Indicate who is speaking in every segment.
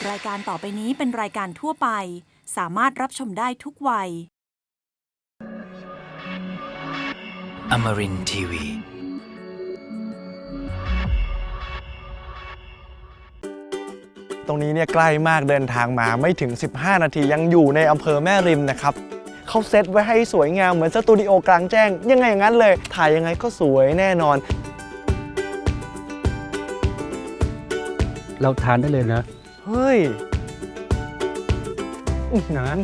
Speaker 1: รายการต่อไปนี้เป็นรายการทั่วไปสามารถรับชมได้ทุกวัย
Speaker 2: Amarin Tiwi.
Speaker 3: ตรงนี้เนี่ยใกล้มากเดินทางมาไม่ถึง15 นาทียังอยู่ในอำเภอแม่ริมนะครับเขาเซตไว้ให้สวยงามเหมือนสตูดิโอกลางแจ้งยังไงอย่างนั้นเลยถ่ายยังไงก็สวยแน่นอน
Speaker 4: เราทานได้เลยนะ
Speaker 3: เฮ้ยนั้น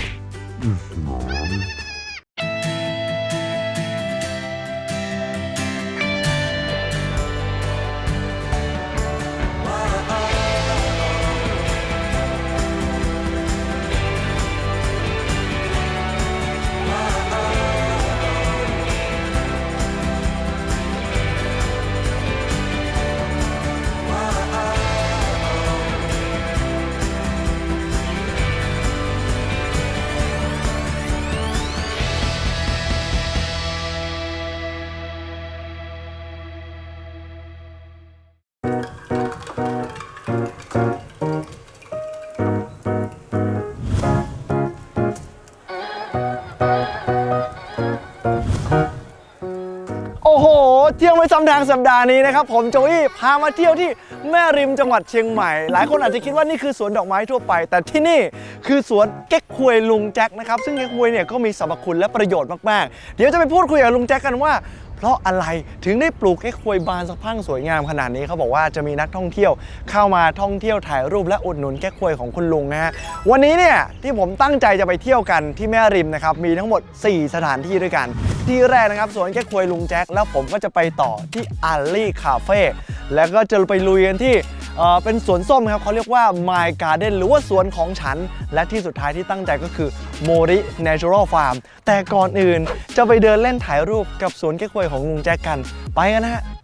Speaker 3: โอ้โหเที่ยวไม่ซ้ำทางสัปดาห์นี้นะครับผมโจอี้พามาเที่ยวที่แม่ริมจังหวัดเชียงใหม่หลายคนอาจจะคิดว่านี่คือสวนดอกไม้ทั่วไปแต่ที่นี่คือสวนเก๊กฮวยลุงแจ็คนะครับซึ่งเก๊กฮวยเนี่ยก็มีสรรพคุณและประโยชน์มากๆเดี๋ยวจะไปพูดคุยกับลุงแจ็คกันว่าเพราะอะไรถึงได้ปลูกเก๊กฮวยบานสะพรั่งสวยงามขนาดนี้เขาบอกว่าจะมีนักท่องเที่ยวเข้ามาท่องเที่ยวถ่ายรูปและอุดหนุนเก๊กฮวยของคุณลุงนะฮะวันนี้เนี่ยที่ผมตั้งใจจะไปเที่ยวกันที่แม่ริมนะครับมีทั้งหมด4 สถานที่ด้วยกันที่แรกนะครับสวนเก๊กฮวยลุงแจ็คแล้วผมก็จะไปต่อที่อัลลี่คาเฟ่แล้วก็จะไปลุยกันที่เป็นสวนส้มครับเขาเรียกว่า My Garden หรือว่าสวนของฉันและที่สุดท้ายที่ตั้งใจก็คือ Mori Natural Farm แต่ก่อนอื่นจะไปเดินเล่นถ่ายรูปกับสวนเก๊กฮวยของลุงแจ็คกันไปกันนะฮะ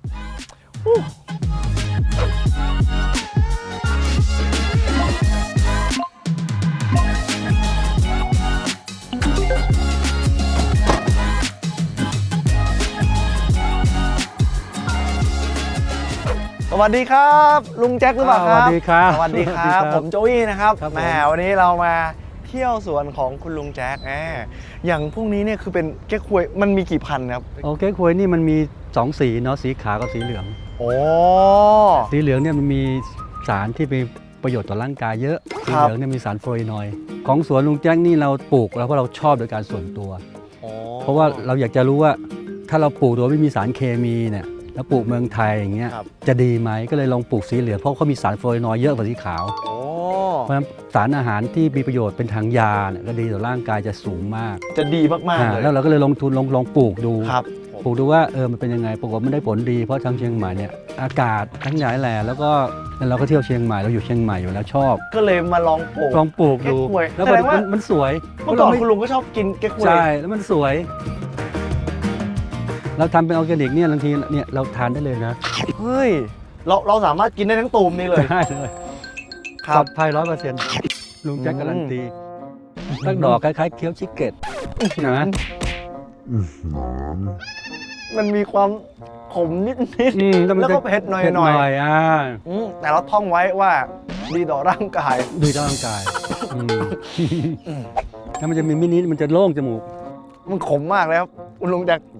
Speaker 3: สวัสดีครับลุงแจ็คหรือเปล่าครับ
Speaker 4: สวัสดีครับ
Speaker 3: สวัสดีครับผมโจอี้นะครับ
Speaker 4: ครับผม
Speaker 3: แหมวันนี้เรามาเที่ยวสวนของคุณลุงแจ็คอย่างพวกนี้เนี่ยคือเป็นเก๊กฮวยมันมีกี่พันครับ
Speaker 4: โอเคควยนี่มันมี2 สีเนาะสีขาวกับสีเหลือง
Speaker 3: โอ้
Speaker 4: สีเหลืองเนี่ยมันมีสารที่มีประโยชน์ต่อร่างกายเยอะสีเหลืองเนี่ยมีสารฟลูออไรด์ของสวนลุงแจ็คนี่เราปลูกแล้วเพราะเราชอบโดยการส่วนตัว เพราะว่าเราอยากจะรู้ว่าถ้าเราปลูกโดยไม่มีสารเคมีเนี่ยแล้วปลูกเมืองไทยอย่างเงี้ยจะดีไหมก็เลยลองปลูกสีเหลืองเพราะเขามีสารฟลูออไรด์เยอะกว่าสีขาวเพราะฉะนั้นสารอาหารที่มีประโยชน์เป็นทางยาเนี่ยก็ดีต่อร่างกายจะสูงมาก
Speaker 3: จะดีมากๆเลย
Speaker 4: แล้วเราก็เลยลงทุนลองปลูกดู
Speaker 3: ครับ
Speaker 4: ปลูกดูว่ามันเป็นยังไงปรากฏมันได้ผลดีเพราะทางเชียงใหม่เนี่ยอากาศทั้งหลายแหล่แล้วก็เราก็เที่ยวเชียงใหม่เราอยู่เชียงใหม่อยู่แล้วชอบ
Speaker 3: ก็เลยมาลองปลูก
Speaker 4: ลองปลูกดู
Speaker 3: เก๊กฮวย
Speaker 4: แล้ว
Speaker 3: แสดงว่า
Speaker 4: มันสวย
Speaker 3: เมื่อก่อนคุณลุงก็ชอบกินเก๊กฮวย
Speaker 4: ใช่แล้วมันสวย เราทำเป็นออร์แกนิกเนี่ยบางทีเนี่ยเราทานได้เลยนะ
Speaker 3: เฮ้ยเราสามารถกินได้ทั้งตูมนี่เลย
Speaker 4: ได้เลย
Speaker 3: ครั
Speaker 4: ปล
Speaker 3: บ
Speaker 4: อดภัย100%ลุงแจ็คการันตีตั้งดอกคล้ายๆเคี้ยวชิคเก็ตนะ
Speaker 3: มันมีความขมนิด แล้วก็เผ็ดหน่อย แต่เราท่องไว้ว่าดีต่อร่างกาย
Speaker 4: ดีต่อร่างกายถ้ามันจะมีมินิมันจะโล่งจมูก
Speaker 3: มันขมมากเลยครับคุณลุงแจ็ค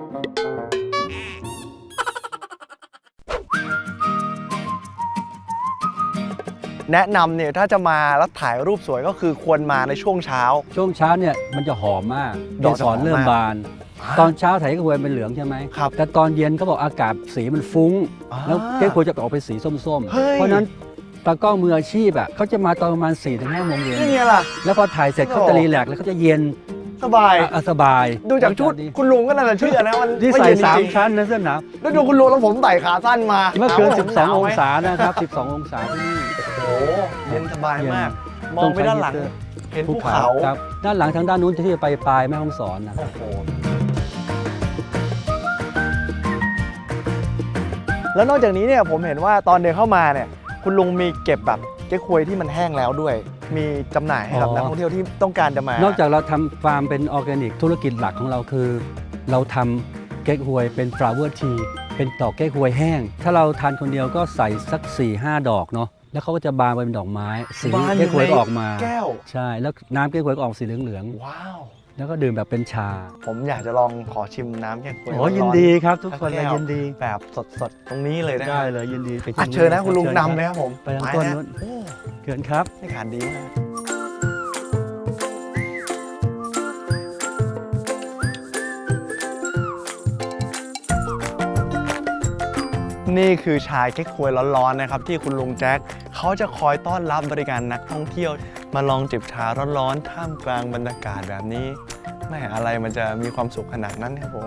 Speaker 3: แนะนำเนี่ยถ้าจะมาแล้วถ่ายรูปสวยก็คือควรมาในช่วงเช้า
Speaker 4: ช่วงเช้าเนี่ยมันจะหอมมาก
Speaker 3: ด
Speaker 4: ด
Speaker 3: อ
Speaker 4: อก ก
Speaker 3: จะ
Speaker 4: ส
Speaker 3: หอ
Speaker 4: อ
Speaker 3: ม
Speaker 4: นเริ่ม
Speaker 3: มาก
Speaker 4: บาน ตอนเช้าถ่ายก็ควรเป็นเหลืองใช่ไหม
Speaker 3: ครับ
Speaker 4: แต่ตอนเย็นเขาบอกอากาศสีมันฟุ้ง แล้วเก๊กควรจะออกเป็นสีส้ม
Speaker 3: เฮ้ย
Speaker 4: ๆ เพราะฉะนั้นตากล้องมืออาชีพเขาจะมาตอนประมาณ 4-5 โมงเย็น
Speaker 3: นี่ไงล่ะ
Speaker 4: แล้วพอถ่ายเสร็จเขาจะรีแลกซ์แล้วเขาจะเย็น
Speaker 3: สบาย
Speaker 4: สบาย
Speaker 3: ดูจากชุดคุณลุงก็น่าจะเชื่อนะมัน
Speaker 4: ที่
Speaker 3: ไม่
Speaker 4: ใส่
Speaker 3: เย็นจริง
Speaker 4: 3 ชั้นนะเสื้อหนาว
Speaker 3: แล้วดูคุณลุงแล้วผมใส่ขาสั้นมา
Speaker 4: เมื่อคืน
Speaker 3: ถามว่าผมหน
Speaker 4: 12
Speaker 3: ว
Speaker 4: อง
Speaker 3: ไหม
Speaker 4: ศานะครับ 12 องศาที่นี่
Speaker 3: โอ้โหเย็นสบายมาก
Speaker 4: เย็น
Speaker 3: มองไปด้านหลัง
Speaker 4: ต้องใช้
Speaker 3: เห็นภูเขา
Speaker 4: ครับด้านหลังทางด้านนู้นที่จะไปปลายแม่ฮ่องสอนนะ
Speaker 3: โอ้โหแล้วนอกจากนี้เนี่ยผมเห็นว่าตอนเดินเข้ามาเนี่ยคุณลุงมีเก็บแบบเก๊กฮวยที่มันแห้งแล้วด้วย มีจำหน่ายให้กับนักท่องเที่ยวที่ต้องการจะมาน
Speaker 4: อกจากเราทำฟาร์มเป็นออร์แกนิกธุรกิจหลักของเราคือ เราทำเก๊กฮวยเป็น flower tea เป็นดอกเก๊กฮวยแห้ง ถ้าเราทานคนเดียวก็ใส่สัก 4-5 ดอกเนาะแล้วเขาก็จะบานไปเป็นดอกไม้สี
Speaker 3: บาน
Speaker 4: เก๊กฮวยก็ออกมา
Speaker 3: แก้ว
Speaker 4: ใช่แล้วน้ำเก๊กฮวยก็ออกสีเหลือง
Speaker 3: ว้าว
Speaker 4: ๆแล้วก็ดื่มแบบเป็นชา
Speaker 3: ผมอยากจะลองขอชิมน้ำแก้ควย
Speaker 4: โอ้
Speaker 3: ร้อๆ
Speaker 4: ยินดีครับทุกคน
Speaker 3: สั
Speaker 4: เลย
Speaker 3: แก้ว
Speaker 4: ยินดี
Speaker 3: แบบสดๆ ตรงนี้เลยนะ
Speaker 4: ได้เลยยินดีไป
Speaker 3: อ่ะเชิญนะคุณลุงนำเลยครับผม
Speaker 4: ไปทางต้น
Speaker 3: นะ
Speaker 4: นู้น
Speaker 3: โอ้
Speaker 4: เชิญครับ
Speaker 3: บรรยากาศดีมากนี่คือชาเก๊กฮวยร้อนๆนะครับที่คุณลุงแจ็คเขาจะคอยต้อนรับบริการนักท่องเที่ยว มาลองจิบชาร้อนๆท่ามกลางบรรยากาศแบบนี้แม่อะไรมันจะมีความสุขขนาดนั้นครับผม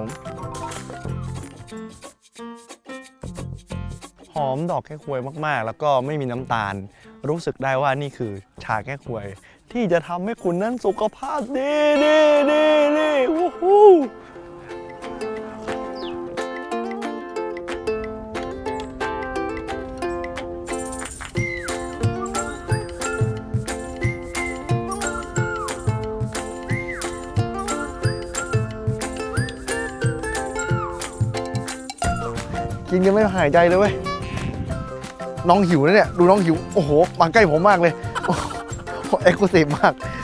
Speaker 3: หอมดอกแก้ควยมากๆ แล้วก็ไม่มีน้ำตาล รู้สึกได้ว่านี่คือชาแก้ควย ที่จะทำให้คุณนั้นสุขภาพดีวู้ฮู้กินยังไม่หายใจเลยเว้ย น้องหิวนะเนี่ย ดูน้องหิว โอ้โห มาใกล้ผมมากเลย โอ้โหเอ็กซ์คลูซีฟมาก